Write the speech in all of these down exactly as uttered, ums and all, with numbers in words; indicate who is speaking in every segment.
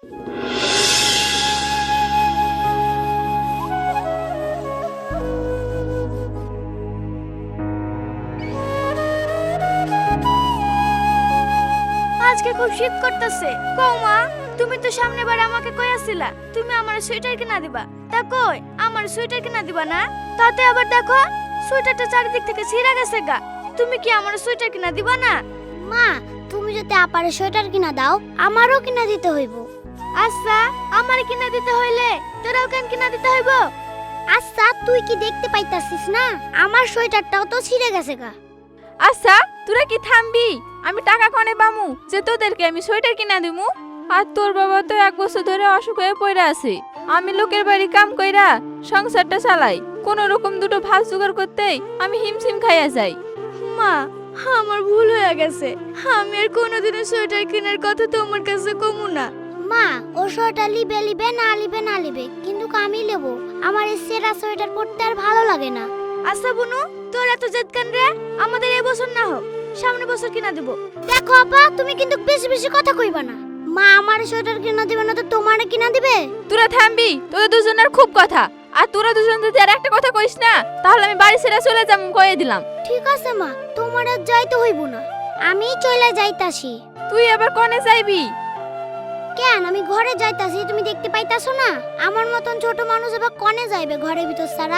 Speaker 1: আজকে খুব শীত করতেছে। কৌমা, তুমি তো সামনের বার আমাকে কইয়াছিলা তুমি আমার সোয়েটার কিনা দিবা, তা কই আমার সোয়েটার কিনা দিবা না? তাতে আবার দেখো সোয়েটারটা চারিদিক থেকে ছিঁড়া গেছে গা। তুমি কি আমার সোয়েটার কিনা দিবা না?
Speaker 2: মা, তুমি যদি আপারে সোয়েটার কিনা দাও আমারও কিনা দিতে হইব।
Speaker 1: আচ্ছা, আমার কিনা দিতে হইলে তোরাও কেন কিনা দিতে হইব?
Speaker 2: আচ্ছা, তুই কি দেখতে পাইতাছিস না আমার সোয়েটারটাও তো ছিঁড়ে গেছে গা।
Speaker 3: আচ্ছা, তোরা কি থামবি? আমি টাকা কনে পামু যে তোদেরকে আমি সোয়েটার কিনা দিমু? আর তোর বাবা তো এক বছর ধরে অসুখ হয়ে পড়ে আছে। আমি লোকের বাড়ি কাম কইরা সংসারটা চালাই, কোন রকম দুটো ভাত জোগাড় করতেই আমি হিমশিম খাইয়া যাই।
Speaker 1: মা, আমার ভুল হয়ে গেছে। আমি আর কোনোদিনও সোয়েটার কেনার কথা তোমার কাছে কমু না।
Speaker 2: মা, ও সোয়েটার লিবে লিবে না লিবে না লিবে, কিন্তু আমি নেবো। আমার এই সেরা সোয়েটার পরতে আর ভালো লাগে না।
Speaker 1: আচ্ছা বুনু, তোর এত জেদ কেন রে? আমাদের এই বছর না হোক, সামনের বছর কিনা দেব।
Speaker 2: দেখো আপা, তুমি কিন্তু বেশি বেশি কথা কইবা না। মা আমার সোয়েটার কিনা দিবে না তো তোমারে কিনা দিবে?
Speaker 3: তোরা থামবি, তোদের দুজনের খুব কথা। আর তোরা দুজন যদি আর একটা কথা কইস না তাহলে আমি বাড়ি ছেড়ে চলে যাবো, কয়ে দিলাম।
Speaker 2: ঠিক আছে মা, তোমার আর যাইতে হইব না, আমি চলে যাইতাছি।
Speaker 3: তুই আবার কনে যাইবি?
Speaker 2: কেন, আমি ঘরে যাইতাছি, তুমি দেখতে পাইতাছো না? আমার মতন ছোট মানুষ আবার কনে যাইবে ঘরের ভিতর সারা?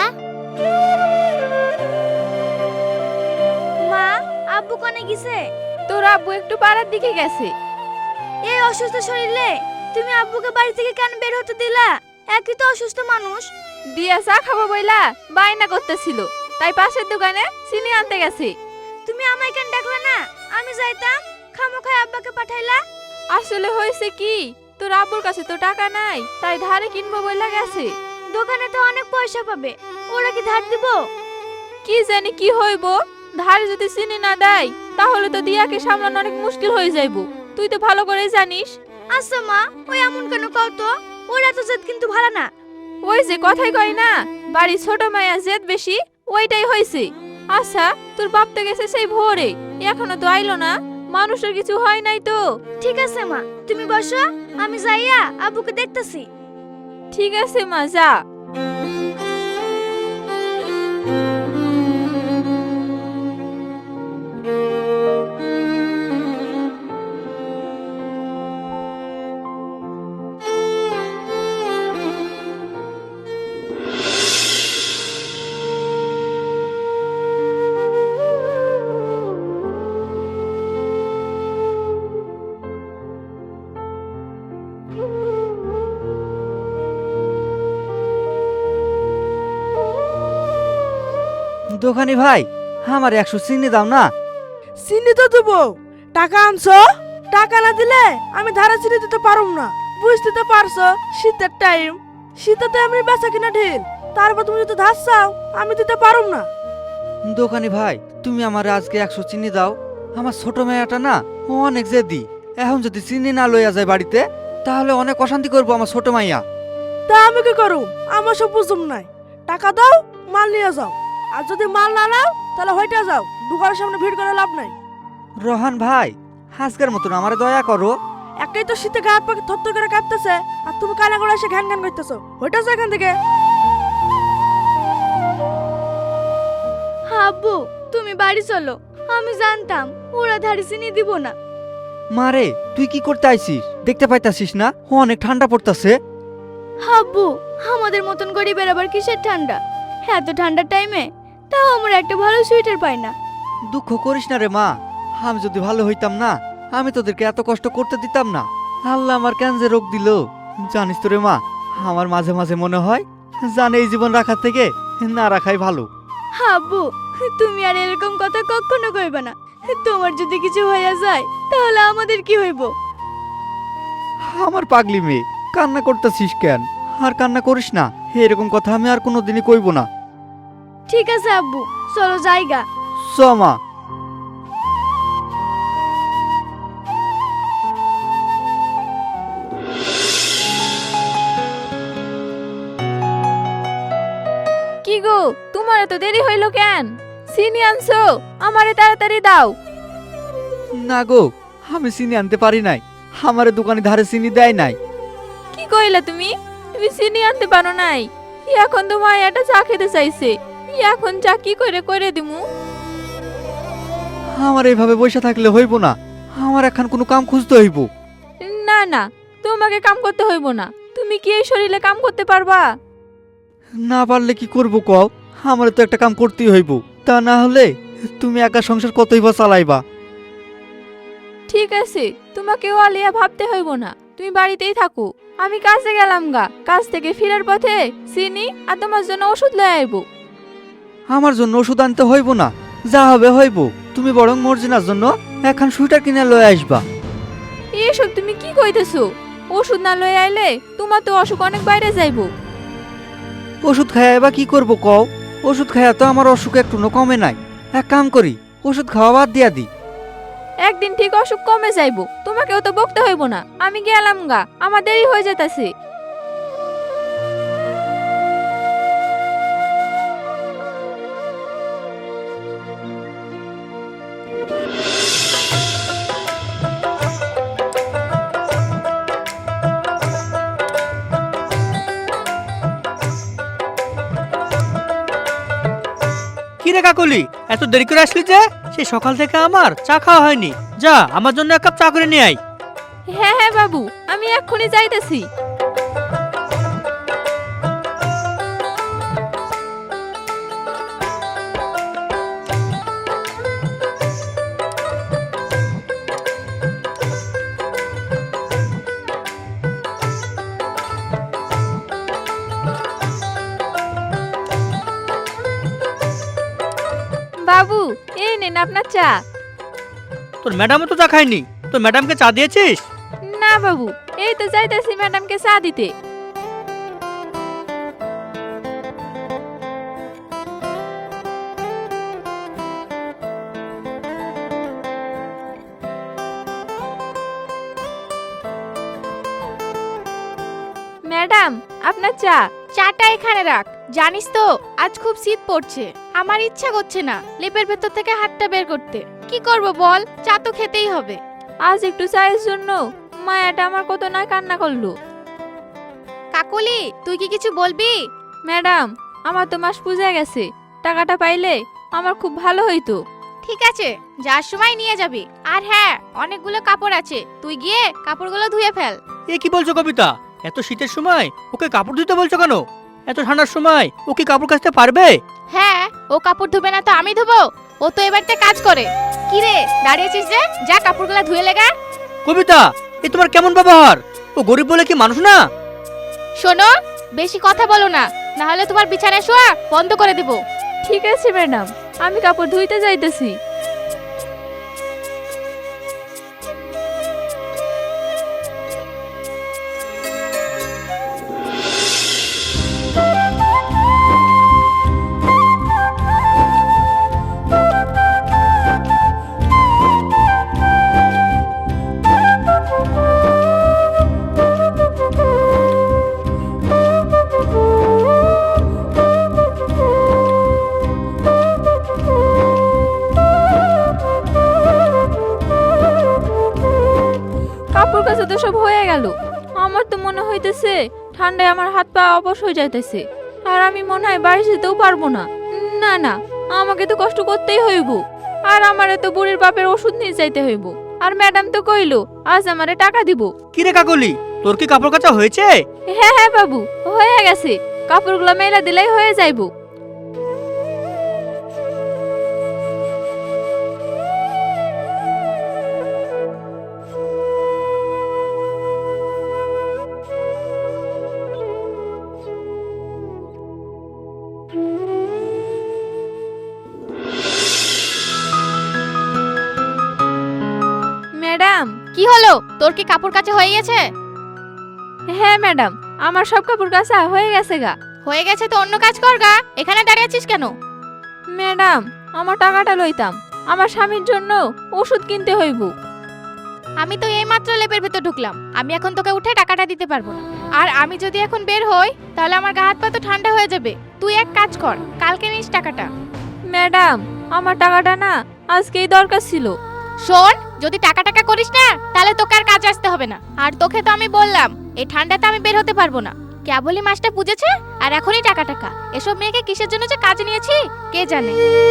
Speaker 1: মা, আব্বু কোনে গেছে?
Speaker 3: তোর আব্বু একটু পাড়ার দিকে গেছে।
Speaker 1: এই অসুস্থ শরীরে তুমি আব্বুকে বাড়ি থেকে কেন বের হতে দিলা? একই তো অসুস্থ মানুষ।
Speaker 3: দিয়া চা খাবো বইলা বায়না করতেছিল, তাই পাশের দোকানে চিনি আনতে গেছে।
Speaker 1: তুমি আমায় কেন ডাকলা না? আমি যাইতাম, খামোখায় আব্বাকে পাঠাইলা।
Speaker 3: আসলে হয়েছে কি, তোর আব্বুর কাছে তো টাকা নাই, তাই ধারে কিনবো বইলা গেছে।
Speaker 1: দোকানে তো অনেক পয়সা পাবে, ওরা কি ধার দিব?
Speaker 3: কি জানি কি হইব, ধারে যদি চিনি না দেয় তাহলে তো দিয়াকে সামলানো অনেক মুশকিল হয়ে যাইব, তুই তো ভালো করে জানিস।
Speaker 1: আচ্ছা মা, ওই এমন কেন কও তো? ওরা তো জেদ কিন্তু ভালো না।
Speaker 3: ওই যে কথাই কয় না, বাড়ি ছোট মায়া জেদ বেশি, ওইটাই হয়েছে। আচ্ছা, তোর বাপ তো গেছে সেই ভোরে, এখনো তো আইলো না, মানুষের কিছু হয় নাই তো?
Speaker 1: ঠিক আছে মা, তুমি বসো, আমি যাইয়া আব্বুকে দেখতেছি।
Speaker 3: ঠিক আছে মা, যা।
Speaker 4: দোকানি ভাই, আমার একশো চিনি দাও না।
Speaker 5: চিনি তো দেবো, টাকা আনছো? টাকা না দিলে আমি ধারা চিনি দিতে পারুম না। বুঝতে তো পারছো শীতের টাইম, শীতে তো এমনি বেচা কিনা ঢিল, তারপর তুমি যদি ধার চাও আমি দিতে পারুম না।
Speaker 4: দোকানি ভাই, তুমি আমার আজকে একশো চিনি দাও। আমার ছোট মেয়েটা না ও অনেক জেদি, এখন যদি চিনি না লইয়া যায় বাড়িতে তাহলে অনেক অশান্তি করবো আমার ছোট মাইয়া।
Speaker 5: তা আমি কি করুম? আমার সব বুঝুম নাই। টাকা দাও, মাল নিয়ে যাও। আর যদি মাল না নাও তাহলে হইটা যাও, দোকানের সামনে ভিড় করে লাভ নাই।
Speaker 4: রোহান ভাই, আজকের মতন আমার দয়া করো।
Speaker 5: একাই তো শীতে গায়ে পাখি থরথর করে কাঁপতেছে, আর তুমি কানা করে এসে ঘ্যান ঘ্যান করতেছো। হইটা যাও এখান থেকে।
Speaker 1: আব্বু, তুমি বাড়ি চলো, আমি জানতাম ওরা ধারে চিনি দিব না।
Speaker 4: মারে, তুই কি করতে আইছিস? দেখতে পাইতাছিস না ও অনেক ঠান্ডা পড়তাছে।
Speaker 1: আব্বু, আমাদের মতন গরিবের আবার কিসের ঠান্ডা? এত ঠান্ডার টাইমে তাও আমরা একটা ভালো সোয়েটার পাই না।
Speaker 4: দুঃখ করিস না রে মা, আমি যদি ভালো হইতাম না আমি তোদেরকে এত কষ্ট করতে দিতাম না। আল্লাহ আমার কেন যে রোগ দিল জানিস তো রে মা, আমার মাঝে মাঝে মনে হয় জানে এই জীবন রাখার থেকে না রাখাই ভালো।
Speaker 1: আব্বু, তুমি আর এরকম কথা কখনো কইবা না। তোমার যদি কিছু হইয়া যায় তাহলে আমাদের কি হইব?
Speaker 4: আমার পাগলি মেয়ে, কান্না করতেছিস কেন? আর কান্না করিস না, এরকম কথা আমি আর কোনোদিনই কইব না।
Speaker 1: ঠিক আছে আব্বু, চলো জায়গা।
Speaker 4: চ মা।
Speaker 3: কি গো, তোমার এত দেরি হইল কেন? চিনি আনছো, আমারে তাড়াতাড়ি দাও।
Speaker 4: না গো, আমি চিনি আনতে পারি নাই, আমার দোকানে ধারে চিনি দেয় নাই।
Speaker 3: কি কইলা তুমি? তুমি চিনি আনতে পারো নাই? এখন তো মায়াটা চা খেতে চাইছে, এখন চা কি করে করে দিমু?
Speaker 4: আমার এইভাবে বসে থাকলে হইব না, আমার এখন কোনো কাম খুঁজতে হইব।
Speaker 3: না না, তোমাকে কাম করতে হইব না। তুমি কি এই শরীরে কাম করতে পারবা?
Speaker 4: না পারলে কি করব কও? আমার তো একটা কাম করতেই হইব, তা না হলে তুমি একা সংসার কতই বা চালাইবা?
Speaker 3: ঠিক আছে, তোমাকে আলিয়া ভাবতে হইব না, তুমি বাড়িতেই থাকো। আমি কাজে গেলাম গা, কাজ থেকে ফেরার পথে চিনি আর তোমার জন্য ওষুধ লয়ে আইব।
Speaker 4: আমার জন্য ওষুধ আনতে হইব না, যা হবে হইব। তুমি বরং মর্জিনার জন্য এখন সুইটার কিনে লয়ে আসবা।
Speaker 3: এসব তুমি কি কইতেছো? ওষুধ না লয়ে আইলে তোমার তো অসুখ অনেক বাইরে যাইব।
Speaker 4: ওষুধ খাইয়া এবার কি করব কও? ওষুধ খাইয়া তো আমার অসুখ একটু কমে নাই। এক কাম করি, ওষুধ খাওয়া বাদ দিয়া দি।
Speaker 3: একদিন ঠিক অসুখ কমে যাইব, তোমাকেও তো বকতে হইব না। আমি গেলাম গা, আমার দেরি হয়ে যেতেছে।
Speaker 6: কি রে কাকলি, এত দেরি করে আসলি যে? সেই সকাল থেকে আমার চা খাওয়া হয়নি। যা, আমার জন্য এক কাপ চা করে নিয়ে আয়।
Speaker 3: হ্যাঁ হ্যাঁ বাবু, আমি এক্ষুনি যাইতেছি। বাবু, এই নেন আপনার চা।
Speaker 6: তোর ম্যাডামও তো চা খায়নি, তোর ম্যাডামকে চা দিয়েছিস?
Speaker 3: না বাবু, এই তো যাইতেছি ম্যাডামকে চা দিতে। ম্যাডাম, আপনার চা।
Speaker 1: চাটা এখানে রাখ। জানিস তো আজ খুব শীত পড়ছে, আমার ইচ্ছা করছে না লেপের ভেতর থেকে হাতটা বের করতে। কি করব বল, চা তো খেতেই হবে।
Speaker 3: আজ একটু চায়ের জন্য মায়াটা আমার কত না কান্না করলো।
Speaker 1: কাকলি, তুই কি কিছু বলবি?
Speaker 3: ম্যাডাম, আমার তো মাস পুজে গেছে, টাকাটা পাইলে আমার খুব ভালো হইতো।
Speaker 1: ঠিক আছে, যার সময় নিয়ে যাবি। আর হ্যাঁ, অনেকগুলো কাপড় আছে, তুই গিয়ে কাপড়গুলো ধুয়ে ফেল।
Speaker 6: এ কি বলছো কবিতা? এত শীতের সময় ওকে কাপড় ধুতে বলছো কেন? এত ঠান্ডার সময় ও কি কাপড় কাচতে পারবে?
Speaker 1: হ্যাঁ, ও কাপড় ধুবে না তো আমি ধুবো? ও তো এবারতে কাজ করে। কি রে, দাঁড়িয়েছিস যে? যা কাপড়গুলো ধুয়ে লেগা।
Speaker 6: কবিতা, এ তোমার কেমন ব্যবহার? ও গরিব বলে কি মানুষ না?
Speaker 1: শোনো, বেশি কথা বলো না, না হলে তোমার বিছানায় শোয়া বন্ধ করে দেব।
Speaker 3: ঠিক আছে ম্যাডাম, আমি কাপড় ধুইতে যাইতেছি। কাপড় কাচা তো সব হয়ে গেল। আমার তো মনে হইতেছে ঠান্ডায় আমার হাত পা অবশ হয়ে যাইতেছে, আর আমি মনে হয় বাড়ি যেতেও পারবো না। না না, আমাকে তো কষ্ট করতেই হইব, আর আমার তো বুড়ির বাপের ওষুধ নিয়ে যাইতে হইব। আর ম্যাডাম তো কইলো আজ আমারে টাকা দিব।
Speaker 6: কি রে কাকলি, তোর কি কাপড় কাচা হয়েছে?
Speaker 3: হ্যাঁ হ্যাঁ বাবু, হয়ে গেছে। কাপড়গুলো মেলা দিলেই হয়ে যাইব। ম্যাডাম।
Speaker 1: কি হলো, তোর কি কাপড় কাচা হয়ে গেছে?
Speaker 3: হ্যাঁ ম্যাডাম, আমার সব কাপড় কাচা হয়ে গেছে গা।
Speaker 1: হয়ে গেছে তো অন্য কাজ কর গা, এখানে দাঁড়িয়ে আছিস কেন?
Speaker 3: ম্যাডাম, আমার টাকাটা লইতাম, আমার স্বামীর জন্য ওষুধ কিনতে হইব।
Speaker 1: আমি তো এইমাত্র লেপের ভেতর ঢুকলাম, আমি এখন তোকে উঠে টাকাটা দিতে পারবো না। আর আমি যদি এখন বের হই তাহলে আমার গা হাত পা তো ঠান্ডা হয়ে যাবে। তুই এক কাজ কর, কালকে নিস টাকাটা।
Speaker 3: ম্যাডাম, আমার টাকাটা না আজকেই দরকার ছিল।
Speaker 1: শোন, যদি টাকা টাকা করিস না তাহলে
Speaker 7: তাহলে তোকে আর কাজে আসতে হবে না। আর তোকে তো আমি বললাম এই ঠান্ডাতে আমি বের হতে পারবো না। কেবলই মাছটা পুজেছে আর এখনই টাকা টাকা। এসব মেয়েকে কিসের জন্য যে কাজে নিয়েছি কে জানে।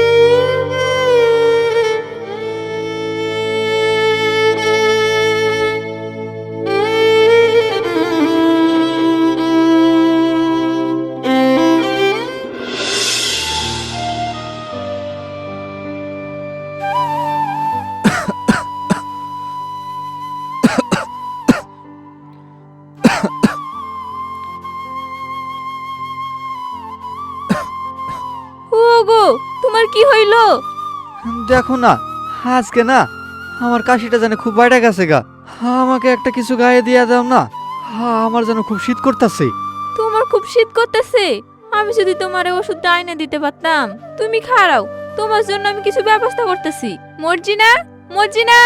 Speaker 3: ওগো তোমার কি হইলো?
Speaker 4: দেখো না, আজকে না আমার কাশিটা যেন খুব বাইরে গেছে গা। আমাকে একটা কিছু গায়ে দিয়ে দাও না, আমার যেন খুব শীত করতেছে।
Speaker 3: তোমার খুব শীত করতেছে? আমি যদি তোমার ওষুধটা আইনে দিতে পারতাম। তুমি খাড়াও, তোমার জন্য আমি কিছু ব্যবস্থা করতেছি। মর্জিনা, মর্জিনা।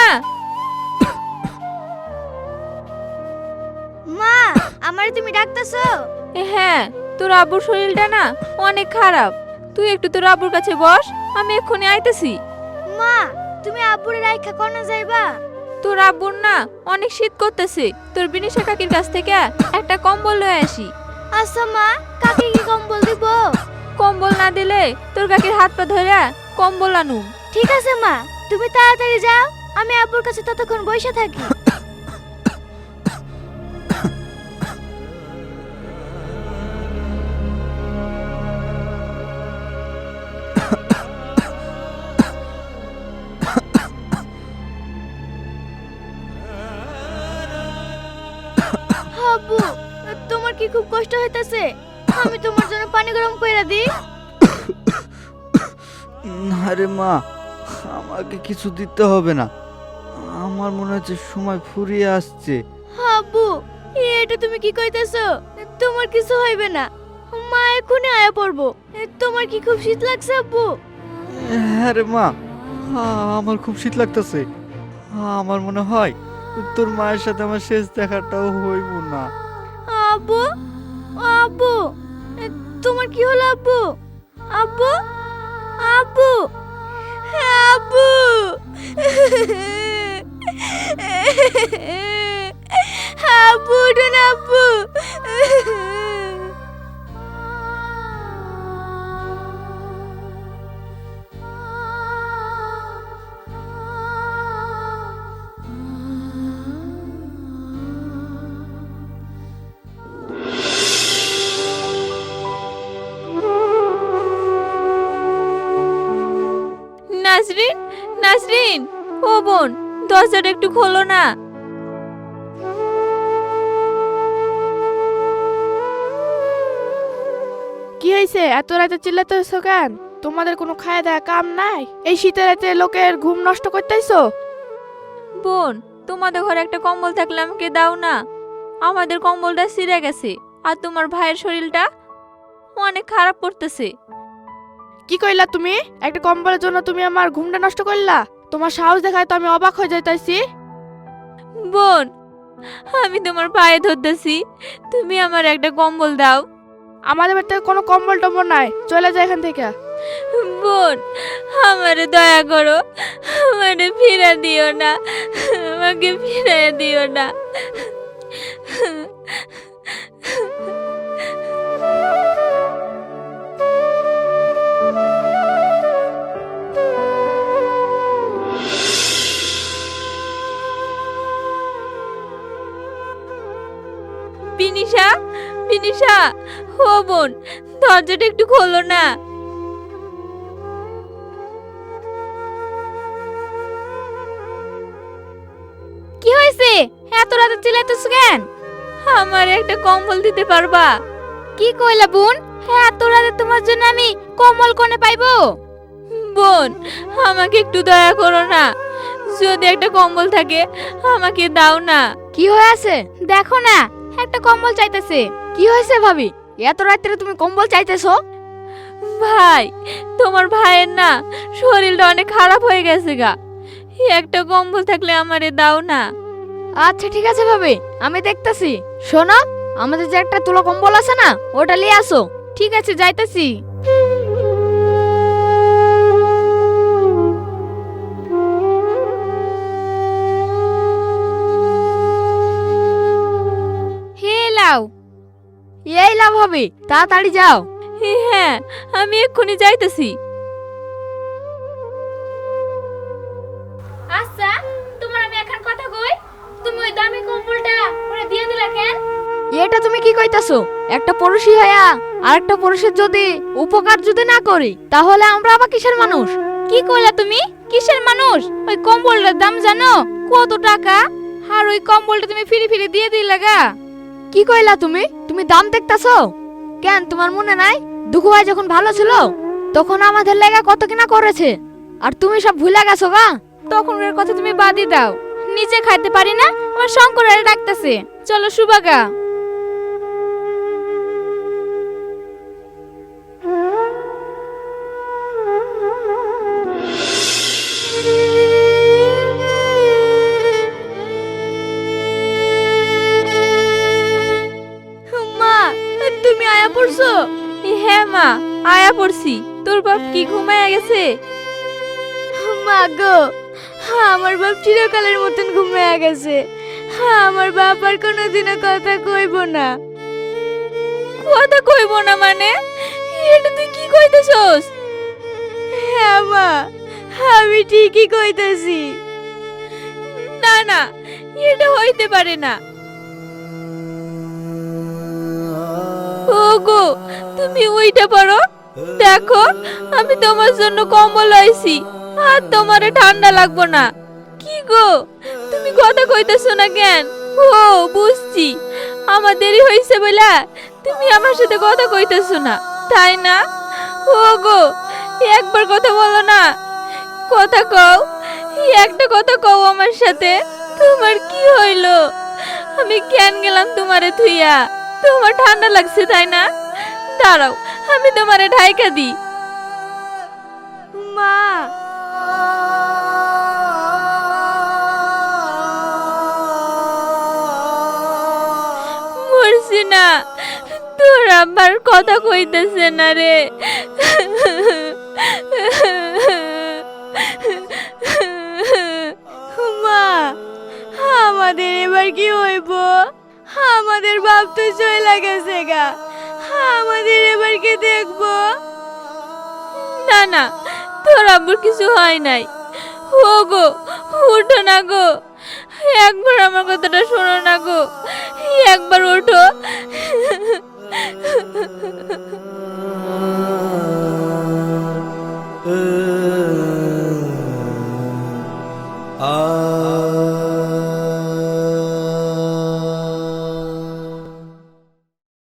Speaker 1: মা, আমারে তুমি ডাকতেছো?
Speaker 3: এ হ্যাঁ, তোর আব্বুর শরীরটা না অনেক খারাপ। তুই একটু তোর আব্বুর কাছে বস, আমি এক্ষুনি আইতেছি।
Speaker 1: মা, তুমি আব্বুরে রাইখা কোন যাইবা?
Speaker 3: তোর আব্বুর না অনেক শীত করতেছে, তোর বিনিশা কাকির কাছ থেকে একটা কম্বল লয়ে আসি।
Speaker 1: আচ্ছা মা, কাকে কি কম্বল দিব?
Speaker 3: কম্বল না দিলে তোর কাকির হাত পা ধরে কম্বল আনুম।
Speaker 1: ঠিক আছে মা, তুমি তাড়াতাড়ি যাও, আমি আব্বুর কাছে ততক্ষণ বসে থাকি। আব্বু, তোমার কি খুব কষ্ট হইতাছে? আমি তোমার জন্য পানি গরম কইরা দিই?
Speaker 4: না রে মা, আমাকে কিছু দিতে হবে না। আমার মনে হচ্ছে সময় ফুরিয়ে আসছে।
Speaker 1: আব্বু, এটা তুমি কি কইতেছো? তোমার কিছু হইবে না, মা এখনই আয়া পড়বো। তোমার কি খুব শীত লাগছে আব্বু?
Speaker 4: হ্যাঁ রে মা, আমার খুব শীত লাগতেছে। আমার মনে হয় তোর মায়ের সাথে আমার শেষ দেখাটাও হইব না।
Speaker 1: আব্বু, আব্বু, তোমার কি হলো আব্বু? আব্বু, আব্বু, আব্বু, আব্বু, উঠুন আব্বু।
Speaker 3: নাজরিন, নাজরিন, ও বোন, দরজাটা একটু খোলো না।
Speaker 5: কি হয়েছে? এত রাতে চিল্লাতেছো কেন? তোমাদের কোনো খাওয়া দাওয়া কাম নাই? এই শীতের রাতে লোকের ঘুম নষ্ট করতেছো?
Speaker 3: বোন, তোমাদের ঘরে একটা কম্বল থাকলে আমাকে দাও না। আমাদের কম্বলটা ছিঁড়ে গেছে, আর তোমার ভাইয়ের শরীরটা অনেক খারাপ করতেছে।
Speaker 5: কি কইলা তুমি? একটা কম্বলের জন্য তুমি আমার ঘুমটা নষ্ট করলা? তোমার সাহস দেখায় তো আমি অবাক হয়ে যাইতাছি।
Speaker 3: বোন, আমি তোমার পায়ে ধরতেছি, তুমি আমার একটা কম্বল দাও।
Speaker 5: আমাদের বাড়িতে কোনো কম্বল টম্বল নাই, চলে যায় এখান থেকে।
Speaker 3: বোন, আমারে দয়া করো, আমারে ফিরে দিও না, আমাকে ফিরে দিও না। বিনিশা, বিনিশা, ও বোন, দরজাটা একটু খোলো না।
Speaker 7: কি হয়েছে? এত রাতে চিল্লাতেছো কেন?
Speaker 3: আমার একটা কম্বল দিতে পারবা?
Speaker 7: কি কইলা বোন? এত রাতে তোমার জন্য আমি কম্বল কোনে পাইবো?
Speaker 3: বোন, আমাকে একটু দয়া করো না, যদি একটা কম্বল থাকে আমাকে দাও না।
Speaker 7: কি হয়েছে দেখো না, একটা কম্বল চাইতেছে। কি হয়েছে ভাবি? এত রাতে তুমি কম্বল চাইতেছো?
Speaker 3: ভাই, তোমার ভাইয়ের না শরীরটা অনেক খারাপ হয়ে গেছে গা, একটা কম্বল থাকলে আমারে দাও না।
Speaker 7: আচ্ছা ঠিক আছে ভাবি, আমি দেখতাছি। শোনো, আমাদের যে একটা তুলো কম্বল আছে না, ওটা নিয়ে আসো। ঠিক আছে, যাইতাছি। যাও।
Speaker 3: এই লাভ হবে, তাড়াতাড়ি যাও। হ্যাঁ, আমি এক্ষুনি যাইতেছি।
Speaker 7: আচ্ছা, তোমার আমি এখন কথা কই, তুমি ওই দামি কম্বলটা ওরে দিয়ে দিলা কেন?
Speaker 3: এটা তুমি কি কইতাছো? একটা পড়শি হইয়া আর একটা পুরুষের যদি উপকার যদি না করি, তাহলে আমরা আবার কিসের মানুষ?
Speaker 7: কি কইলা তুমি? কিসের মানুষ? ওই কম্বলটার দাম জানো কত টাকা? আর ওই কম্বলটা তুমি ফিরি ফিরি দিয়ে দিলা গা।
Speaker 3: কি কইলা তুমি? তুমি দাম দেখতাছো? কেন তোমার মনে নাই দুঃখু ভাই যখন ভালো ছিল তখন আমাদের লেগা কত কিনা করেছে, আর তুমি সব ভুলে গেছো গা?
Speaker 7: তখনকার কথা তুমি বাদই দাও, নিজে খাইতে পারি না, আমার শঙ্কর আরে ডাকতেছে, চলো সুবাগা।
Speaker 1: মা, তুমি আয়া পড়ছো?
Speaker 3: হ্যাঁ মা, আয়া পড়ছি। তোর বাপ কি ঘুমায়া গেছে?
Speaker 1: মা গো, আমার বাপ চিরকালের মতন ঘুমিয়ে গেছে। আমার বাপ আর কোনোদিনও কথা কইব না।
Speaker 3: কথা কইব না মানে? এটা তুই কি কইতেছস?
Speaker 1: হ্যাঁ মা, আমি ঠিকই কইতেছি।
Speaker 3: না না, এটা হইতে পারে না। ওগো, তুমি ওইটা পারো? দেখো, আমি তোমার জন্য কম্বল লইছি, আর তোমারে ঠান্ডা লাগবো না। কি গো, তুমি কথা কইতেছো না কেন? ও বুঝছি, আমার দেরি হইছে বলে তুমি আমার সাথে কথা কইতেছো না, তাই না? ওগো, একবার কথা বলো না, কথা কও, একটা কথা কও আমার সাথে। তোমার কি হইলো? আমি কেন গেলাম তোমারে থুইয়া? তোমার ঠান্ডা লাগছে তাই না? দাঁড়াও, আমি তোমারে ঢাইকা দিই।
Speaker 1: মা,
Speaker 3: মরছি না, তোর আবার কথা কইতেছে না রে।
Speaker 1: মা, আমাদের এবার কি হইব? আমাদের বাপ তো চলে গেছে গা, আমাদের এবার কি দেখবো?
Speaker 3: না না, তোর আব্বুর কিছু হয় নাই। ও গো, উঠো না গো, একবার আমার কথাটা শোনো